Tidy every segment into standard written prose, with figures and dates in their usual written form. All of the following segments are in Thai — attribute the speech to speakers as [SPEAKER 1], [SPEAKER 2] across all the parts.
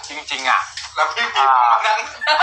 [SPEAKER 1] จริงๆอ่ะ
[SPEAKER 2] แล้วพี่พีมานั่ง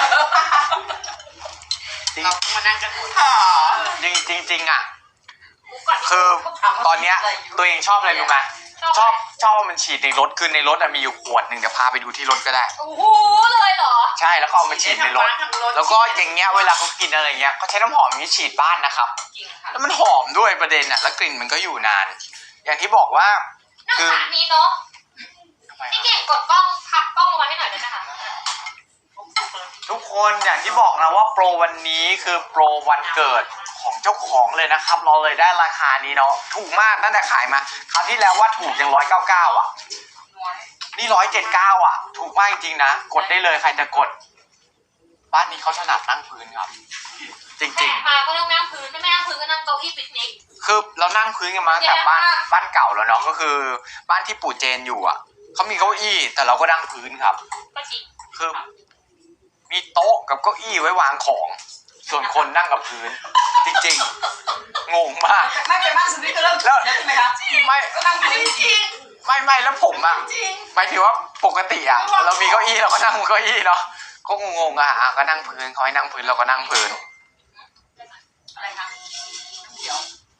[SPEAKER 3] เรามานั่งกันหมด
[SPEAKER 1] จริงอ่ะคือตอนเนี้ยตัวเองชอบอะไรรู้ไหมชอบมันฉีดในรถคือในรถมีอยู่ขวดหนึ่งเดี๋ยวพาไปดูที่รถก็ได้
[SPEAKER 4] โอ้โหเลยเหรอ
[SPEAKER 1] ใช่แล้วก็เอามาฉีดในรถแล้วก็อย่างเงี้ยเวลาเขากินอะไรเงี้ยเขาใช้น้ำหอมนี้ฉีดบ้านนะครับแล้วมันหอมด้วยประเด็นอ่ะแล้วกลิ่นมันก็อยู่นาน อย่างที่บอกว่า
[SPEAKER 4] คือนี้เนาะพี่เก่งกดกล้องพับกล้องลงมาให้หน่อยได้ไหมคะ
[SPEAKER 1] ทุกคนอย่างที่บอกนะว่าโปรวันนี้คือโปรวันเกิดของเจ้าของเลยนะครับเราเลยได้ราคานี้เนาะถูกมากตั้งแต่ขายมาคราวที่แล้วว่าถูกยัง199อ่ะนี่179อ่ะถูกมากจริงๆนะกดได้เลยใครจะกดบ้านนี้เขาถนัดนั่งพื้นครับจริง
[SPEAKER 4] ๆมาก็ต้องนั่งพื้นไม่นั่งพื้นก็นั่งเก้าอี้ปิกนิก
[SPEAKER 1] คือเรานั่งพื้นกันมาจากบ้านเก่าแล้วเนาะก็คือบ้านที่ปู่เจนอยู่อ่ะเขามีเก้าอี้แต่เราก็นั่งพื้นครับ
[SPEAKER 4] ก็จริง
[SPEAKER 1] คือมีโต๊ะกับเก้าอี้ไว้วางของส่วนคนนั่งกับพื้นจริงๆงงมาก
[SPEAKER 3] ไม่เป็นบ้านสุดที่ก็เริ่มแล้วใช่ไหมคะ
[SPEAKER 1] ไม่
[SPEAKER 3] นั่งพื้นจริง
[SPEAKER 1] ไม่แล้วผมอ่ะหมายถึงว่าปกติอ่ะเรามีเก้าอี้เราก็นั่งเก้าอี้เนาะก็งงๆอ่ะก็นั่งพื้นเขาให้นั่งพื้นเราก็นั่งพื้น
[SPEAKER 3] อะไรคะเดี๋ยว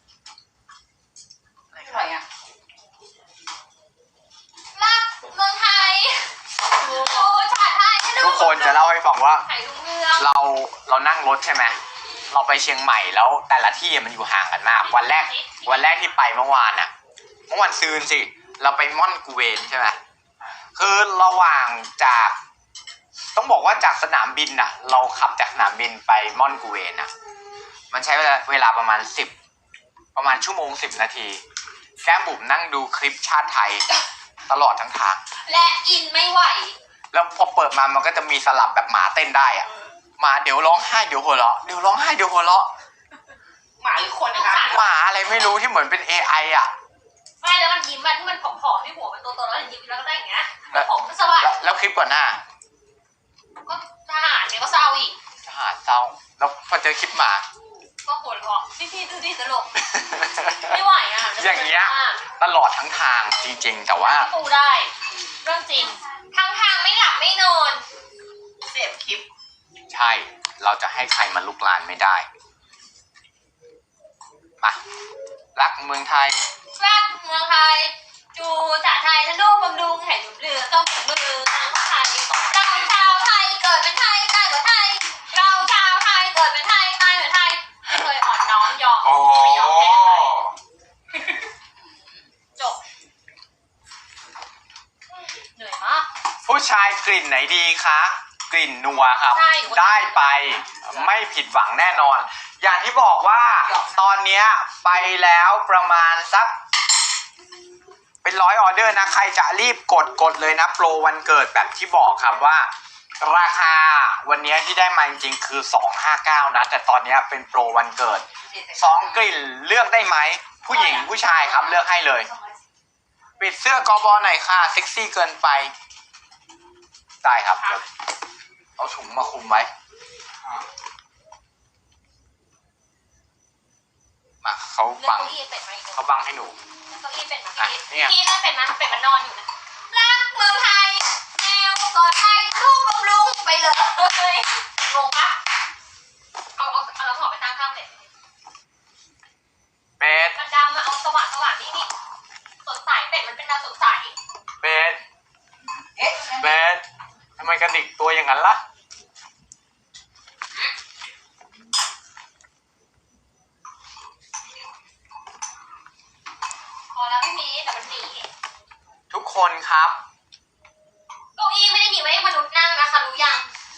[SPEAKER 3] อะไรอ่ะ
[SPEAKER 4] รักเมืองไทยโอ้ชาติไทย
[SPEAKER 1] ทุกคนจะเล่าให้ฟังว่าเรานั่งรถใช่ไหมเราไปเชียงใหม่แล้วแต่ละที่มันอยู่ห่างกันมากวันแรกที่ไปเมื่อวานซืนสิเราไปม่อนกูเวนใช่ไหมคือระหว่างจากต้องบอกว่าจากสนามบินน่ะเราขับจากสนามบินไปม่อนกูเวนน่ะมันใช้เวลาประมาณชั่วโมง10 นาทีแก้มบุ๋มนั่งดูคลิปชาติไทยตลอดทั้งทาง
[SPEAKER 4] และอินไม่ไหว
[SPEAKER 1] แล้วพอเปิดมามันก็จะมีสลับแบบหมาเต้นได้อ่ะหมาเดี๋ยวร้องไห้เดี๋ยวหัวเราะเดี๋ยวร้องไห้เดี๋ยวหัวเราะ
[SPEAKER 3] หมาหรือคนนะคะ
[SPEAKER 1] หมาอะไรไม่รู้ที่เหมือนเป็น AI อ่ะ
[SPEAKER 4] ไม่แล้วมันยิ้มมันที่มันผอมๆที่หัวมันโตๆแล้วยิ้มแล้วก็ได้อย่างเงี้ยผมก็สวัสดิ์
[SPEAKER 1] แล้วคลิปก่อนหน้า
[SPEAKER 4] ก็ทหารเนี่ยก็เศร้าอีก
[SPEAKER 1] ทหารเศร้าแล้วพอเจอคลิปหมา
[SPEAKER 4] ก็หัวเราะพี่ดูดิตลกไม่ไหวอ่ะ
[SPEAKER 1] อย่างเงี้ยตลอดทั้งทางจริงๆแต่ว่า
[SPEAKER 4] ปูได้เรื่องจริงทั้งทางไม่หลับไม่นอน
[SPEAKER 3] เสพคลิป
[SPEAKER 1] ใช่เราจะให้ใครมาลุกลานไม่ได้มารักเมืองไทย
[SPEAKER 4] รักเมืองไทยจูจ่าไทยทะลุบำรุงแห่งเรือต้องมือทางไทยเราชาวไทยเกิดเป็นไทยตายเหมือนไทยเราชาวไทยเกิดเป็นไทยตายเหมือนไทยไม่เคยอ่อนน้อมยอมไม่ยอมแพ้จบเหนื่อยมาก
[SPEAKER 1] ผู้ชายกลิ่นไหนดีคะกลิ่นนัวครับได้ไปไม่ผิดหวังแน่นอนอย่างที่บอกว่าตอนนี้ไปแล้วประมาณสักเป็น100 ออเดอร์นะใครจะรีบกดเลยนะโปรวันเกิดแบบที่บอกครับว่าราคาวันนี้ที่ได้มาจริงๆคือ259นะแต่ตอนนี้เป็นโปรวันเกิด2 กลิ่นเลือกได้ไหมผู้หญิงผู้ชายครับเลือกให้เลยปิดเสื้อกบหน่อยค่ะเซ็กซี่เกินไปได้ครับเอาถุงมาคุมไว้มาเขาบังให้หนู
[SPEAKER 4] เก้าอี้เป็ดมาพี่ได้เป็ดมันนอนอยู่นะรักเมืองไทยแนวก่อนไทยลูกบำรุงไปเลยงงปะเอาเราถอดไปตั้งข้างเป็ดมันดำมาเอาสว่างนี่สดใสเป็ดมันเป็นดาวสดใส
[SPEAKER 1] เป็ดทำไมกระดิกตัวอย่างนั้นล่ะ
[SPEAKER 4] พอแล้วพี่มีแต่มันหนี
[SPEAKER 1] ทุกคนครับ
[SPEAKER 4] เก้าอี้ไม่ได้มีไว้ให้มนุษย์นั่งนะคะรู้ยัง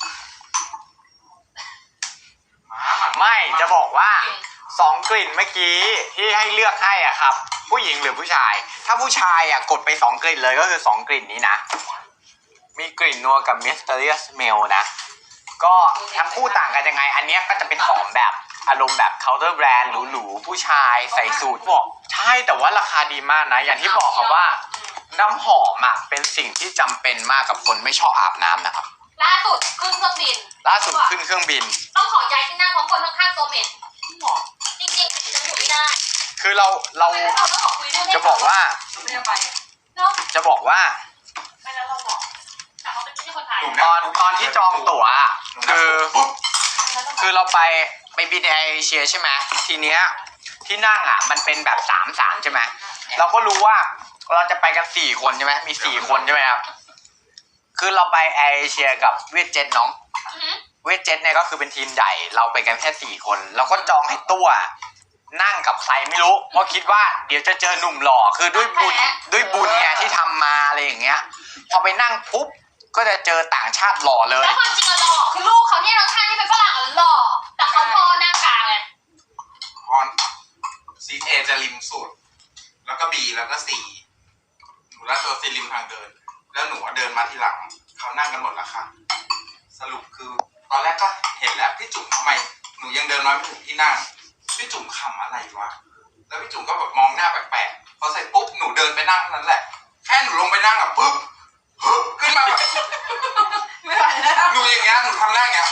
[SPEAKER 1] ไม่จะบอกว่า2 กลิ่นเมื่อกี้ที่ให้เลือกให้อ่ะครับผู้หญิงหรือผู้ชายถ้าผู้ชายอ่ะกดไป2 กลิ่นเลยก็คือ2 กลิ่นนี้นะมีกลิ่นนัวกับ Mysterious Smell นะก็ทั้งคู่ต่างกันยังไงอันนี้ก็จะเป็นหอมแบบอารมณ์แบบ counter brand หรูๆผู้ชายใส่สูทบอกใช่แต่ว่าราคาดีมากนะอย่างที่บอกครับว่าน้ำหอมอ่ะเป็นสิ่งที่จำเป็นมากกับคนไม่ชอบอาบน้ำนะครับ
[SPEAKER 4] ล่าสุดขึ้นเครื่องบินต้องขอย้ายที่นั่งเพราะคนข้างๆโซเมตจริงๆจะอยู่ไม่ได้
[SPEAKER 1] คือเราจะบอกว่าไม่แล้วเราบอกแต่เขาเป็นที่คนตอนที่จองตั๋วอะคือเราไปบินแอร์เอเชียใช่ไหมทีเนี้ยที่นั่งอ่ะมันเป็นแบบ3 ใช่ไหมเราก็รู้ว่าเราจะไปกัน4 คนใช่ไหมมี4 คนใช่ไหมครับคือเราไปแอร์เอเชียกับเวียดเจ็ตน้องเวียดเจ็ตเนี่ยก็คือเป็นทีมใหญ่เราไปกันแค่4 คนเราก็จองให้ตัวนั่งกับใครไม่รู้เพราะคิดว่าเดี๋ยวจะเจอหนุ่มหล่อคือด้วยบุญเนี่ยที่ทำมาอะไรอย่างเงี้ยพอไปนั่งปุ๊บก็จะเจอต่างชาติหล่อเลย
[SPEAKER 4] แล้วความจริงอะหล่อคือลูกเขาเนี่ยทั้งท่านที่เป็นฝรั่งอะหล่อแต่เขาพอหน้ากลางไง
[SPEAKER 2] ออนซีเอจะริมสุดแล้วก็บีแล้วก็ซีหนูแล้วตัวซีริมทางเดิน แล้วหนูเดินมาทีหลังเขานั่งกันหมดแล้วค่ะสรุปคือตอนแรกก็เห็นแล้วพี่จุ๋มทำไมหนูยังเดินมาไม่ถึงที่นั่งพี่จุ๋มขำอะไรวะแล้วพี่จุ๋มก็แบบมองหน้าแปลกๆพอเสร็จปุ๊บหนูเดินไปนั่งเท่านั้นแหละแค่หนูลงไปนั่งอะปุ๊บขึ้นมาแบบ
[SPEAKER 3] ไม่ไหวแล้ว
[SPEAKER 2] หนูอย่างเงี้ยหนูทำหน้าอย่างเงี้ย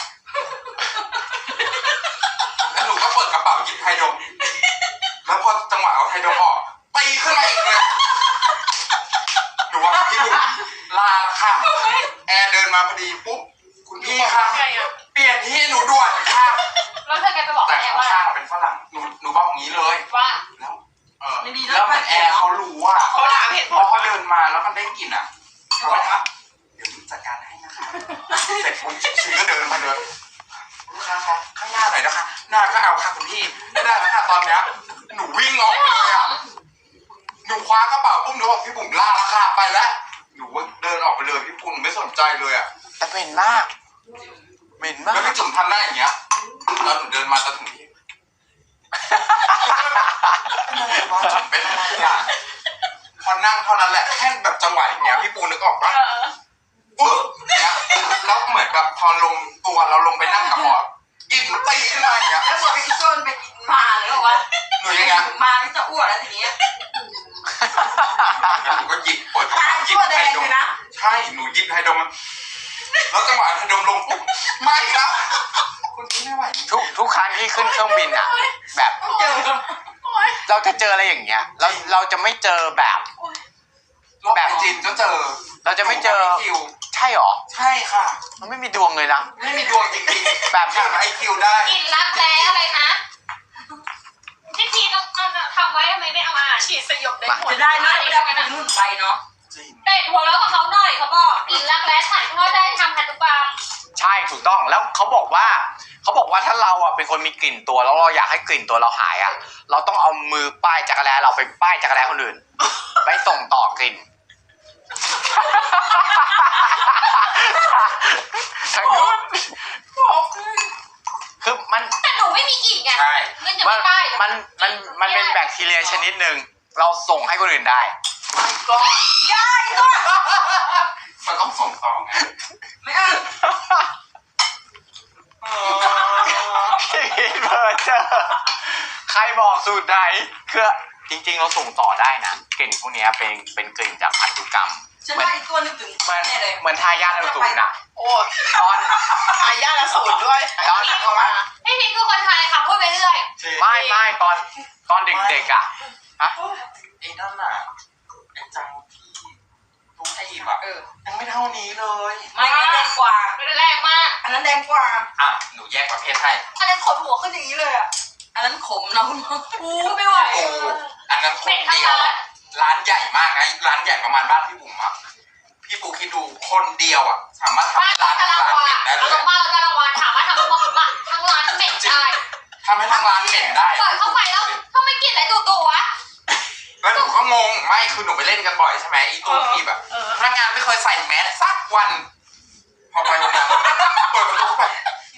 [SPEAKER 2] แล้วหนูก็เปิดกระเป๋าหยิบไฮโดรแล้วพอจังหวะเอาไฮโดรออกตีขึ้นมาอีกเลยหนูว่าพี่บุ๋มลาละค่ะแอร์เดินมาพอดีปุ๊บคุณพี่คะเปลี่ยนที่หนูด่วนค่ะ
[SPEAKER 4] แล้วเธอแกไปบอก
[SPEAKER 2] แต่
[SPEAKER 4] แกว่า
[SPEAKER 2] ข้างๆเป็นฝรั่งหนูบอกอย่างนี้เลย
[SPEAKER 4] ว่า
[SPEAKER 2] แล้วแล้วมันแอร์เขารู้ว่า
[SPEAKER 3] เขาถามเหตุ
[SPEAKER 2] พ
[SPEAKER 3] ผ
[SPEAKER 2] อ
[SPEAKER 3] ล
[SPEAKER 2] เขาเดินมาแล้วมันได้กลิ่นอ่ะเขาบอกว่าเดี๋ยวหนูจัดการให้นะคะเสร็จปุ๊บชีก็เดินมาเลยลูกค้าคะข้างหน้าหน่อยนะคะหน้าก็เอาค่ะคุณพี่ไม่ได้แล้วค่ะตอนเนี้ยหนูวิ่งออกไปเลยอ่ะหนูคว้ากระเป๋าปุ๊บหนูบอกพี่บุ๋มลาราคาไปแล้วหนูเดินออกไปเลยพี่ปุ้มไม่สนใจเลยอ่ะ
[SPEAKER 1] แต่เหม็นมากเหม็นมา
[SPEAKER 2] แล้ว
[SPEAKER 1] ก
[SPEAKER 2] พี่จุ๋มทำหน้าอย่างเงี้ยแล้วหนูเดินมาจะถึงที่เป็นอะไรอ่ะพอนั่งเท่านั้นแหละแค่แบบจังหวะอย่างเงี้ยพี่ปูนึกออกปะปุ๊บเนี้ยแล้วเหมือนกับพอลงตัวเราลงไปนั่งกับหมอกินตีขึ้นมาอย่างเงี้ย
[SPEAKER 3] แล้วพอพี่ต้นไปกินมาเลยบอกว่า
[SPEAKER 2] หนูยังไง
[SPEAKER 3] มาที่จะอ้วนแล้วทีนี้
[SPEAKER 2] หนูก็หยิบเปิด
[SPEAKER 3] ตายชั่วแดงเลยนะ
[SPEAKER 2] ใช่หนูหยิบไฮโดรมันแล้วจังหวะไฮโดรลงปุ๊บไม่ครับคุณพี่ไม่ไหว
[SPEAKER 1] ทุกครั้งที่ขึ้นเครื่องบินอ่ะ แบบ
[SPEAKER 3] เจอ
[SPEAKER 1] เราจะเจออะไรอย่างเงี้ยเราจะไม่เจอแบบ
[SPEAKER 2] แบบจีนก็เจอ
[SPEAKER 1] เราจะไม่เจอ
[SPEAKER 2] คิว
[SPEAKER 1] ใช่หรอ
[SPEAKER 2] ใช่ค่ะ
[SPEAKER 1] มันไม่มีดวงเลยนะ
[SPEAKER 2] ไม่มีดวงจริงๆ
[SPEAKER 1] แบบ
[SPEAKER 2] ถามไอคิวได้
[SPEAKER 4] กินรักแร้อะไรนะที่ทีต้องทำไว้ทำไมไม่เอามาฉีดสยบได้หมด
[SPEAKER 3] จะได้นะไม่ได้ไปนู่นไปเนาะ
[SPEAKER 2] จริง
[SPEAKER 4] เตะหัวแล้วกับเขาหน่อยเขาบอกกินรักแร้ถ่ายทอดได้ทำพันธุกรรม
[SPEAKER 1] ใช่ถูกต้องแล้วเขาบอกว่าถ้าเราอ่ะเป็นคนมีกลิ่นตัวแล้วเราอยากให้กลิ่นตัวเราหายอ่ะ เราต้องเอามือป้ายจักรแร้เราไปป้ายจักรแร้คนอื่น ไปส่งต่อกลิ่นทางนู้นคือมัน
[SPEAKER 4] แต่หนูไม่มีกลิ่นไง
[SPEAKER 2] ใช่
[SPEAKER 4] เงินจะ
[SPEAKER 1] มั
[SPEAKER 4] ไม่
[SPEAKER 1] น
[SPEAKER 4] ได้
[SPEAKER 1] มันเป็นแบคทีเรียชนิดหนึ่งเราส่งให้คนอื่นได้
[SPEAKER 3] ก็ย้ายตัว
[SPEAKER 2] มันต้องส่งต่อไง
[SPEAKER 3] ไม่เอา
[SPEAKER 1] เพอเจอใครบอกสูตรไหนคือจริงๆเราส่งต่อได้นะกลิ่นพวกเนี้ยเป็นกลิ่นจากพันธุกรรม
[SPEAKER 3] ฉันได้ตัวนึงถึง
[SPEAKER 1] เหมือน
[SPEAKER 3] เนี่ยเลย
[SPEAKER 1] เหมือนทายาทอสูรน่ะ
[SPEAKER 3] โอ้
[SPEAKER 1] ตอน
[SPEAKER 3] อายาละสูตรด้วย
[SPEAKER 1] ตอน
[SPEAKER 3] เข้ามา
[SPEAKER 4] พี่พิงคือคนไทยค่ะพูดไปเรื่อย
[SPEAKER 1] ไม่ตอนเด็กๆอ่ะ
[SPEAKER 2] ไอ้นั่นน่ะไอ้จังที่ทุกทีบอ่ะยังไม่เท่านี้เลย
[SPEAKER 3] ไม่อันนั้นแดงกว่า
[SPEAKER 4] ไม่ได้แรงมาก
[SPEAKER 3] อันนั้นแดงกว่า
[SPEAKER 2] อ่ะหนูแยกประเภทให้
[SPEAKER 4] อันนั้นขนหัวขึ้นอย่างนี้เลยอ่ะ
[SPEAKER 3] อันนั้นขมเนาะ
[SPEAKER 4] อู้ไม่ไหว
[SPEAKER 2] โอ้อันนั้นคน
[SPEAKER 4] เป็นทั้ง
[SPEAKER 2] เดียว
[SPEAKER 4] ร้าน
[SPEAKER 2] ร้านใหญ่มากนะร้านใหญ่ประมาณบ้านพี่บุ๋มอ่ะพี่ปูคิดดูคนเดียวอ่ะสามารถทำ
[SPEAKER 4] บ้าน
[SPEAKER 2] ให้ร้าน
[SPEAKER 4] ตะลังวา
[SPEAKER 2] เหม็นได้เล
[SPEAKER 4] เอา
[SPEAKER 2] ย
[SPEAKER 4] ตรงบ้านเราตะลังวาถามว่าทำทั้งร้านเหม็นได้
[SPEAKER 2] ทำให้ทั้งร้านเหม็นได้
[SPEAKER 4] เปิดเข้าไปแล้วเขาไม่กินอะไรตู่ๆวะ
[SPEAKER 2] แล้วหนูก็งงไม่คือหนูไปเล่นกันบ่อยใช่ไหมอีตัวทีแบบพนักงานไม่เคยใส่แมสสักวัน พอไปวันนั้นเปิดประตูเข้าไป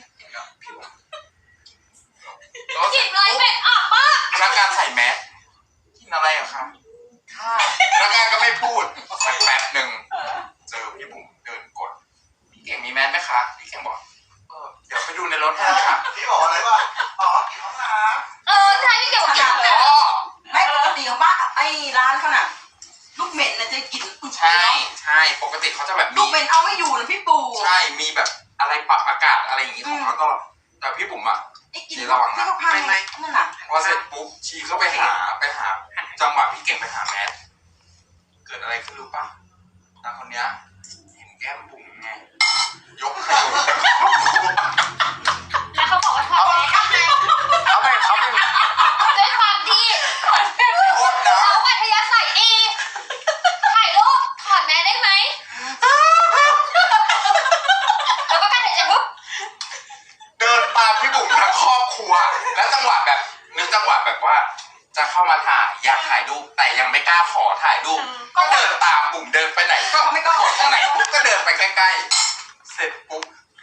[SPEAKER 2] แล้ว
[SPEAKER 4] กินอะไรเหม็นอับมาก
[SPEAKER 2] พนักงานใส่แมสกินอะไรอะครับค่ะพนักงานก็ไม่พูดสักแป๊บหนึ่งเจอพี่บุ๋มเดินกดพี่เก่งมีแมสไหมคะพี่เก่งบอกเดี๋ยวไปดูในรถให้ค่ะ
[SPEAKER 5] พี่บอกอะไรวะอ๋อกินห้องน้
[SPEAKER 4] ใช่พี่เกี่ยวกับกิน
[SPEAKER 2] อ๋อ
[SPEAKER 3] ไม่ปกติของบ้านไอ้ร้านเขาน่ะลูกเหม็นนะจะกิน
[SPEAKER 2] ใช่ใช่ปกติเขาจะแบบ
[SPEAKER 3] ลู
[SPEAKER 2] มี
[SPEAKER 3] กเหม็นเอาไม่อยู่นะพี่ปู
[SPEAKER 2] ใช่มีแบบอะไรปรับอากาศอะไรอย่างงี้ของเขาตลอดแต่พี่บุ๋มอะ
[SPEAKER 3] ไอ้กินที่เขาพังนั่นน่ะ
[SPEAKER 2] พอเสร็จปุ๊บชีก็ไปหาจังหวะพี่เก่งไปหาแมสเกิดอะไรขึ้นรู้ปะนางคนเนี้ยเห็นแก้มบุ๋มไงกขยง
[SPEAKER 4] แล้วเขาบอกว่าชอบแม่ทำไง
[SPEAKER 1] เขาเป็น
[SPEAKER 4] ด้วยความที่
[SPEAKER 2] โคตรนะ
[SPEAKER 4] เขาอัธยาศัยดีถ่ายรูปถอดแม่ได้ไหมแล้วก็การถ่ายใจปุ๊บ
[SPEAKER 2] เดินตามพี่บุ๋มทั้งครอบครัว แล้วจังหวะแบบนึกจังหวะแบบว่า จะเข้ามาถ่ายอยากถ่ายรูปแต่ยังไม่กล้าขอถ่ายรูปก็เดินตามบุ๋มเดินไปไหนก็ไม่ก็ขอตรงไหนปุ๊บก็เดินไปใกล้ๆเสร็จปุ๊บ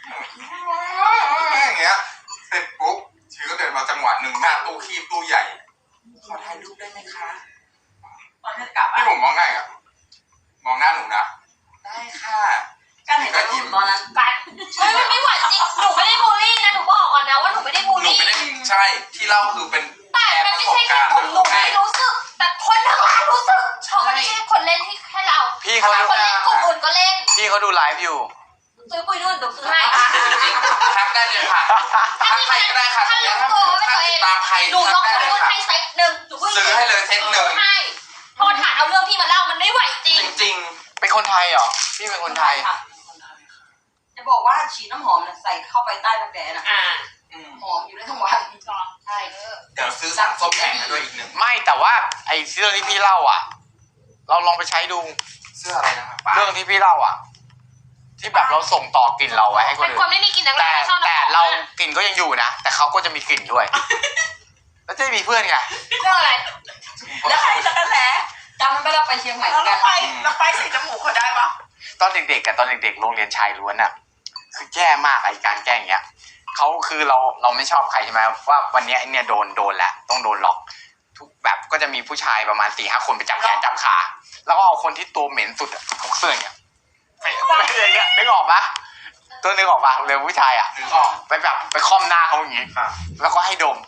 [SPEAKER 2] อย่างเงี้ยเสร็จปุ๊บชีก็เดินมาจังหวะหนึ่งหน้าตู้คีบตู้ใหญ่ขอถ่ายรูปได้ไหมคะ
[SPEAKER 3] ตอนที่จะกลับ
[SPEAKER 2] พี่
[SPEAKER 3] อ่ะ
[SPEAKER 2] บุ๋มมองหน้าอ่ะมองหน้าหนูนะได้ค่ะ
[SPEAKER 3] การเห็นรูปตอนนั้น
[SPEAKER 4] กันเฮ้ยมันไม่ไหวจริงหนูไม่ได้บูลลี่นะหนูบอกก่อนนะว่าหนูไม่ได้บูล
[SPEAKER 2] หนู
[SPEAKER 4] ลี่
[SPEAKER 2] ไม่ได้ใช่ที่เล่าคือเป็น
[SPEAKER 4] แต่
[SPEAKER 2] แชร์
[SPEAKER 4] มัน
[SPEAKER 2] ประ
[SPEAKER 4] ไม่
[SPEAKER 2] สบ
[SPEAKER 4] ใช่แค่
[SPEAKER 2] การณ์
[SPEAKER 4] คนหนูไม่รู้สึก แต่คนทั้งร้านรู้สึกเพราะมันไม่ใช่คนเล่นที่แค่เรา
[SPEAKER 1] พี่เขา
[SPEAKER 4] คนเล่นกลุ่มอื่นก็เล่น
[SPEAKER 1] พี่เขาดูไลฟ์อยู่
[SPEAKER 4] ซื้อปุยนุ่นเดี๋ยวซื้อให้
[SPEAKER 2] จริงๆทักได้เลยค่ะทักใครก็ได้ค่ะ
[SPEAKER 4] ถ้ารู้ตัวว่าเป็น
[SPEAKER 2] ถ้า
[SPEAKER 4] ตัวเอ
[SPEAKER 2] ติ
[SPEAKER 4] ง
[SPEAKER 2] ดตามใคร
[SPEAKER 4] หนูล
[SPEAKER 2] ทั
[SPEAKER 4] อก ง
[SPEAKER 2] ได้
[SPEAKER 4] สม
[SPEAKER 2] เลย
[SPEAKER 4] มติ
[SPEAKER 2] ค่ะ
[SPEAKER 4] ให้เซ็ตหนึ่งหนูพูด
[SPEAKER 2] ซื้อให้เลยเซ็ตหนึ่ง
[SPEAKER 4] ให้พอถามเอาเรื่องพี่มาเล่ามันไม่ไหวจริง
[SPEAKER 2] จริง
[SPEAKER 1] เป็นคนไทยเหรอ พี่เป็นคนไทย
[SPEAKER 3] ค่ะจะบอกว่าฉีดน้ำหอมเนี่ยใส่เข้าไปใต้รักแร้น่ะ
[SPEAKER 2] ๆ
[SPEAKER 3] หอมอยู่ได้ทั้งวันใช่
[SPEAKER 2] เดี๋ยวซื้อสั่งส้มแข็งให้ด้วยอีกหนึ่ง
[SPEAKER 1] ไม่แต่ว่าไอ้เรื่องที่พี่เล่าอ่ะ เราลองไปใช้ดู
[SPEAKER 2] เสื้ออะไรนะครับป้า
[SPEAKER 1] เรื่องที่พี่เล่าอ่ะ ที่แบบเราส่งต่อกลิ่นเราไว้ให้คน
[SPEAKER 4] เป็น
[SPEAKER 1] อื่
[SPEAKER 4] คน
[SPEAKER 1] น
[SPEAKER 4] ไม่มีกลิ่นนัก
[SPEAKER 1] แต่
[SPEAKER 4] เล่นชอบ
[SPEAKER 1] แต่เรากลิ่นก็ยังอยู่นะ แต่เขาก็จะมีกลิ่นด้วย แล้วจะมีเพื่อนไง
[SPEAKER 4] เรื่องอะไร
[SPEAKER 3] แล้วใครจะกันแหละจำมันไปเราไปเชียงใหม่
[SPEAKER 5] แล้ว
[SPEAKER 3] กั
[SPEAKER 5] เรา
[SPEAKER 3] น
[SPEAKER 5] ไปเราไปใส่จมูกเขาได้ปะ
[SPEAKER 1] ตอนเด็กๆกับตอนเด็กๆโรงเรียนชายล้วนอ่ะ คือแย่มากไอ้การแกล้งอย่างเงี้ยเขาคือเราไม่ชอบใครใช่ไหมว่าวันเนี้ยไอ้เนี่ยโดนแหละต้องโดนล็อก ทุกแบบก็จะมีผู้ชายประมาณ4-5 คนไปจับแขนจับขา แล้วก็เอาคนที่ตัวเหม็นสุดอะถกเสื้ออย่างเงี้ยไปอย่างเงี้ยนึกออกปะตัวนึกออกปะเร็วผู้ชายอ่ะ
[SPEAKER 2] นึกออก
[SPEAKER 1] ไปแบบไปค่อมหน้าเขาอย่างงี้
[SPEAKER 2] ค่ะ
[SPEAKER 1] แล้วก็ให้ดม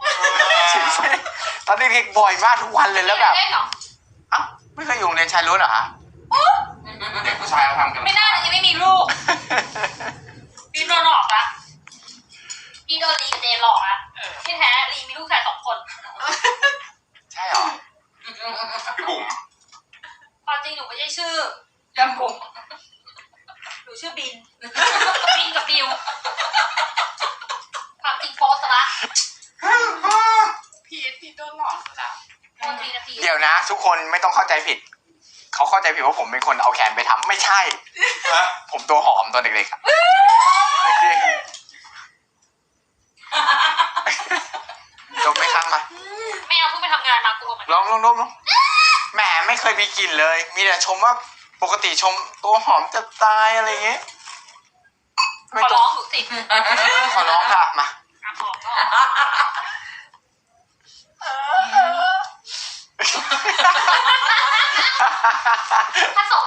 [SPEAKER 1] ตอนเด็กๆบ่อยมากทุกวันเลยแล้วแบบ
[SPEAKER 4] เล่นเหรอ
[SPEAKER 1] เอ้าไม่เคยอยู่โรงเรียนชายล้วนเหรอฮะ
[SPEAKER 2] เด็กผู้ชายเขาทำกัน
[SPEAKER 4] ไม่น่าจะยังไม่มีลูกพี่โดนหลอกละพี่โดนลีกับเจนหลอกละที่แท้ลีมีลูกชาย2 คน
[SPEAKER 1] ใช่เหรอ
[SPEAKER 2] พี่บุ๋ม
[SPEAKER 4] ความจริงหนูไม่ใช่ชื่อ
[SPEAKER 3] จำผม
[SPEAKER 4] หนูชื่อบิน บินกับบิว ความจริงโพสต์ละ
[SPEAKER 5] พีทโดนหลอกแล้ว
[SPEAKER 4] โพสต์ทีนาที
[SPEAKER 1] เดี๋ยวนะ ทุกคนไม่ต้องเข้าใจผิด เขาเข้าใจผิดว่าผมเป็นคนเอาแขนไปทำไม่ใช่
[SPEAKER 2] นะ
[SPEAKER 1] ผมตัวหอมตอนเด็กๆอะจริงๆดมไหมครับมา
[SPEAKER 4] ไม่เอาเพิ่งไปทำงานมากลัวเหมือน
[SPEAKER 1] ลองดมแหมไม่เคยมีกลิ่นเลย มีแต่ชมว่าปกติชมตัวหอมจะตายอะไรอย่างเงี้ย
[SPEAKER 4] ขอร้องหนูสิ
[SPEAKER 1] ขอร้องค่ะมา
[SPEAKER 4] อ่ะขอก็ผสม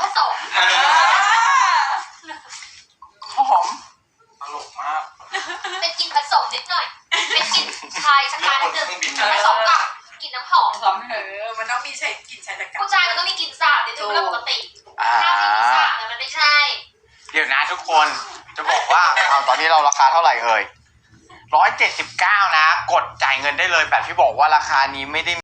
[SPEAKER 1] หอม
[SPEAKER 2] ตลกมาก
[SPEAKER 4] เป็นกลิ่นผสมนิดหน่อย เป็นกลิ่นชายชะ
[SPEAKER 2] เรื่
[SPEAKER 4] กั
[SPEAKER 2] อง
[SPEAKER 4] น
[SPEAKER 2] บน
[SPEAKER 4] นิด
[SPEAKER 2] เค
[SPEAKER 4] นึ
[SPEAKER 2] รื่อง
[SPEAKER 4] ง
[SPEAKER 2] บิน
[SPEAKER 4] ผสมกับกลิ่นน้ำหอม
[SPEAKER 3] สอม
[SPEAKER 5] มันต้องมีใช้กลิ่นชายตะกัน
[SPEAKER 4] ผู้ชายมันต้องมีกลิ่นสาบนิดนึงเรื่องปกติ
[SPEAKER 1] อ่า
[SPEAKER 4] ถ้าไม่มีสาบเนี่ยมันไม่ใช่
[SPEAKER 1] เดี๋ยวนะทุกคนจะบอกว่าเอาตอนนี้เราราคาเท่าไหร่เอ่ย179นะ กดจ่ายเงินได้เลยแบบที่บอกว่าราคานี้ไม่ได้